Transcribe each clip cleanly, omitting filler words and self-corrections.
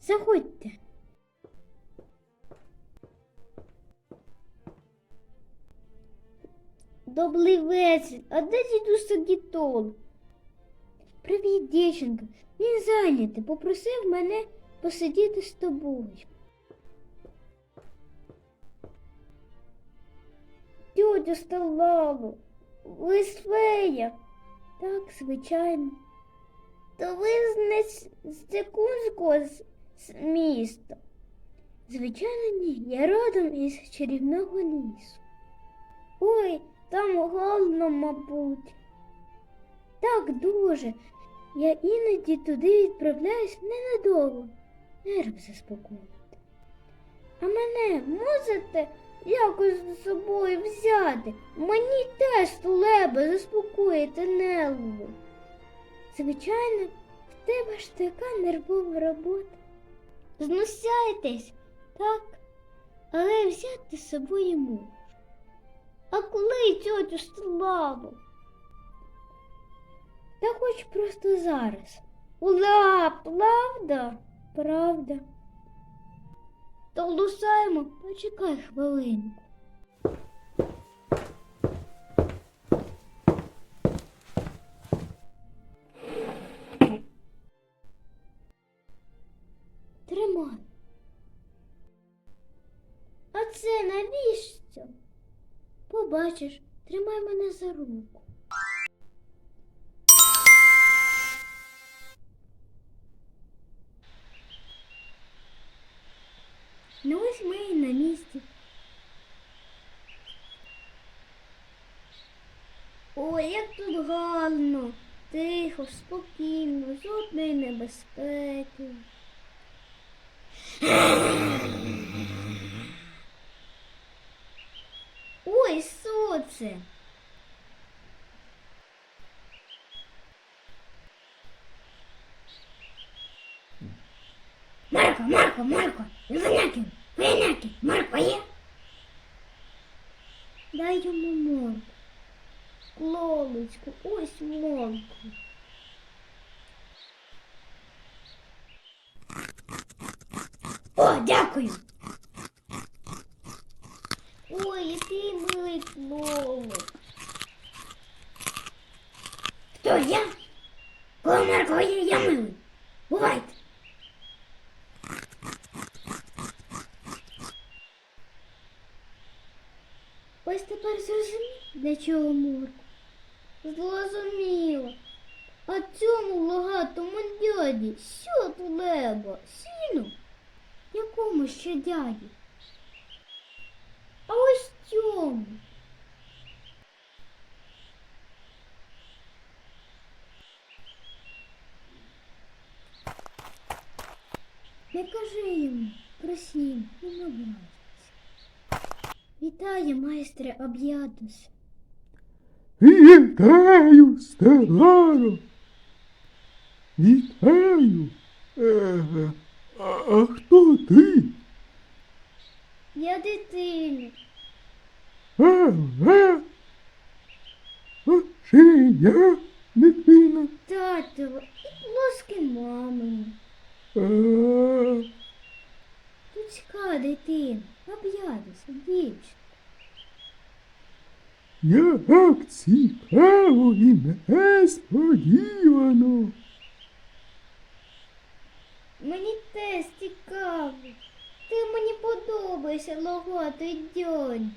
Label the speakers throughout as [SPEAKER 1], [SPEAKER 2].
[SPEAKER 1] Заходьте. Добрий вечір. А де дідусь Сагітол? Привіт, дівчинка. Він зайнятий. Попросив мене посидіти з тобою. Тьотю Сталаву, ви з фея? Так, звичайно. То ви з Цикунського міста? Звичайно, ні. Я родом із чарівного лісу. Ой, там голодно, мабуть. Так, дуже. Я іноді туди відправляюсь ненадовго. Нерв заспокоїти. А мене можете якось з собою взяти? Мені теж треба заспокоїти нерви. Звичайно, в тебе ж така нервова робота. Знущаєтесь, так, але взяти з собою можу. А коли тьотю Славу? Та хоч просто зараз. Ура, правда? Правда. То лусаємо, почекай хвилинку. Тримай. А це навіщо? Побачиш, тримай мене за руку. Ну ось ми і на місці. Ой, як тут гарно, тихо, спокійно, жодної небезпеки. Ой, що це? Марко, виняків, Марко є? Дай йому морку. Клолочку, ось морку. О, дякую. Ой, який милий клолик. Хто я? Коли Марко є, я милий. Бувайте. Ось тепер зрозумів, для чого морку? Зрозуміло. А цьому логатому дяді що треба? Сіну? Якому ще дяді? А ось цьому. Не кажи йому про сім, він образиться. Вітаю, майстре Об'ядус.
[SPEAKER 2] Вітаю, Стелларо. Вітаю. А хто ти?
[SPEAKER 1] Я дитина.
[SPEAKER 2] А чи я дитина?
[SPEAKER 1] Татова і плоски мамині.
[SPEAKER 2] А,
[SPEAKER 1] Людська дитина. Об'ядус, дівчинка.
[SPEAKER 2] як цікаво і несподівано.
[SPEAKER 1] Мені теж цікаво. Ти мені подобаєшся, логатий дядю.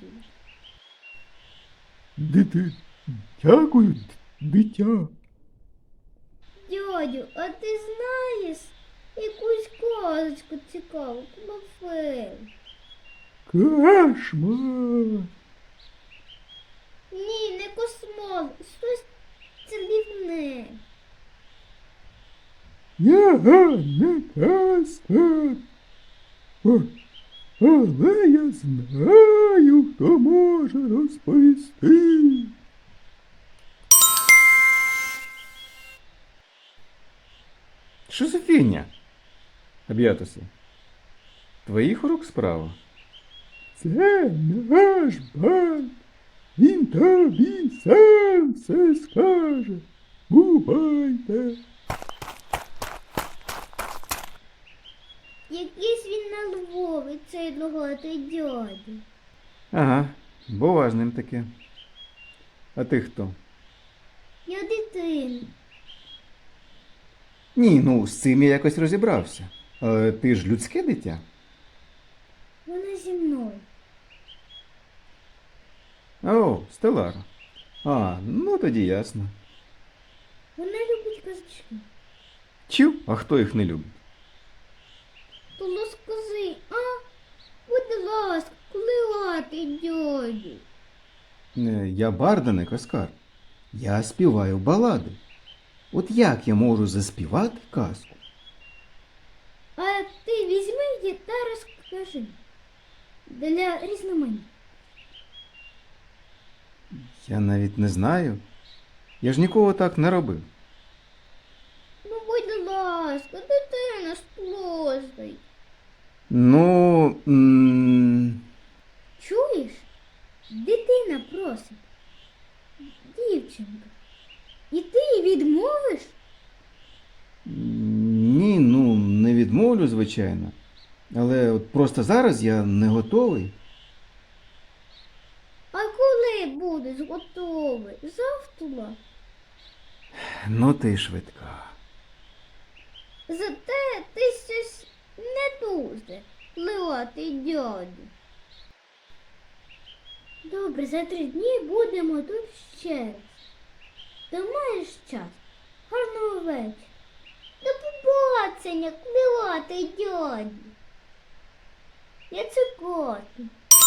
[SPEAKER 2] Дякую, дитя.
[SPEAKER 1] Дядю, а ти знаєш якусь казочку цікаву про фею?
[SPEAKER 2] Кошмар.
[SPEAKER 1] Ні, не космол, щось цілівне.
[SPEAKER 2] Я не казка. Але я знаю, хто може розповісти.
[SPEAKER 3] Що за фігня? Об'ятуси. Твоїх рук справа?
[SPEAKER 2] Це наш банк. Він тобі сам все скаже. Бувайте.
[SPEAKER 1] цей одноглатий дядя.
[SPEAKER 3] Ага, бува з ним таке. А ти хто?
[SPEAKER 1] Я дитина.
[SPEAKER 3] Ні, ну з цим я якось розібрався. Але ти ж людське дитя.
[SPEAKER 1] Вона зі мною.
[SPEAKER 3] О, Стеллара. А, ну тоді ясно.
[SPEAKER 1] Вона любить казочки.
[SPEAKER 3] Чу, а хто їх не любить?
[SPEAKER 1] То розкажи, а? Будь ласка, клятий дядю.
[SPEAKER 3] Я барданик, Оскар. Я співаю балади. От як я можу заспівати казку?
[SPEAKER 1] А ти візьми її та розкажи. Для різноманіття.
[SPEAKER 3] Я навіть не знаю. Я ж нікого так не робив.
[SPEAKER 1] Ну, будь ласка, дитина сплосить.
[SPEAKER 3] Ну.
[SPEAKER 1] Чуєш? Дитина просить. Дівчинка. І ти їй відмовиш?
[SPEAKER 3] Ні, ну не відмовлю, звичайно. Але от просто зараз я не готовий.
[SPEAKER 1] А коли будеш готовий? Завтра?
[SPEAKER 3] Ну ти швидка.
[SPEAKER 1] Зате ти щось не дуже, клятий дядю. Добре, за 3 дні будемо тут ще раз. Ти маєш час? Гарного вечора. До побачення, клятий дядю. Я цикоту.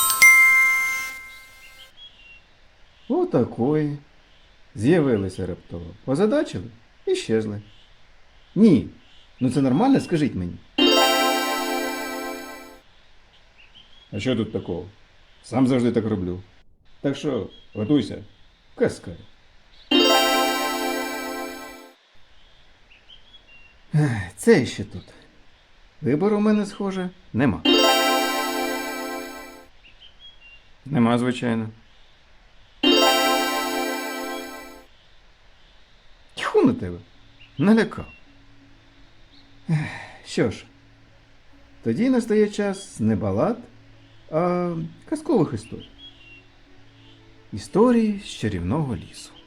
[SPEAKER 3] Отакої. З'явилися раптово. Озадачили і щезли. Ні. Ну це нормально, скажіть мені. А що тут такого? Сам завжди так роблю. Так що, готуйся. Казка. Це ще тут. Вибору у мене, схоже, нема. Нема, звичайно. Тьху на тебе. Налякав. Що ж, тоді настає час не балад, а казкових історій. Історії з чарівного лісу.